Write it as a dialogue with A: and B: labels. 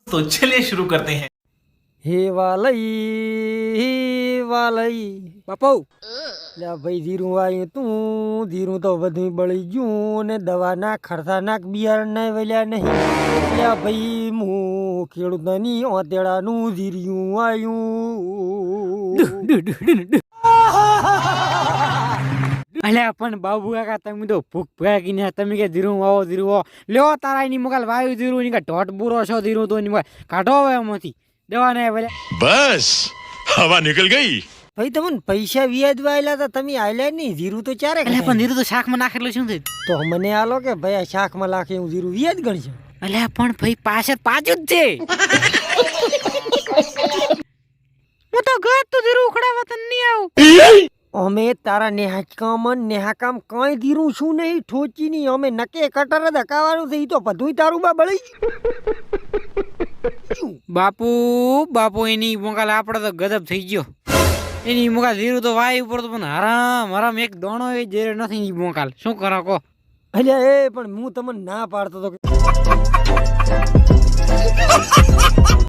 A: तो चलिए शुरू करते हैं।
B: હે વાલઈ બાપુ લે ભાઈ ધીરું આવ્યું તું ધીરું તો બધું બળી ગયું ને દવા નાખ ખર્ચા નાખ બિયારણ ના વળ્યા નહીં લે ભાઈ હું ખેડૂતની ઓતેડાનું ધીર્યું આવ્યું અલ્યા પણ બાબુ કાકા તમે તો ભૂખ ભાગીને તમે કે ધીરું વાવો લ્યો તારા એની મગાલ વાયુ ધીરું ની ઢોટ બુરો છો ધીરું તો એની મગાલ કાઢો હવે એમાંથી દવા ને ભલે
C: बस हवा निकल गई।
B: ભાઈ તમને પૈસા વ્યાજ વાયેલા હતા તમે આયલા નહીં ધીરું તો ચારે
D: એટલે પણ ધીરું તો શાકમાં નાખેલું શું થયું?
B: તો મને આલો કે ભાઈ આ શાકમાં લાખે હું ધીરું વ્યાજ ગણશે
D: એટલે પણ ભાઈ પાછળ પાછું જ છે. હું તો ઘર તો ધીરું ઉખડાવા તને નહીં આવું.
B: અમે તારા નેહાકામ કઈ ધીરું શું નહીં ઠોચી નહીં અમે નકે કટર જ હકાવાનું છે ઈ તો બધું તારું બા બળી
D: બાપુ એની મોકાલ આપડે તો ગજબ થઈ ગયો. એની મોકાલ ધીરું તો વાય ઉપર તો પણ હરામ એક દોણો એ જેરે નથી ઈ મોકાલ શું કરો કો?
B: અલ્યા એ પણ હું તમને ના પાડતો તો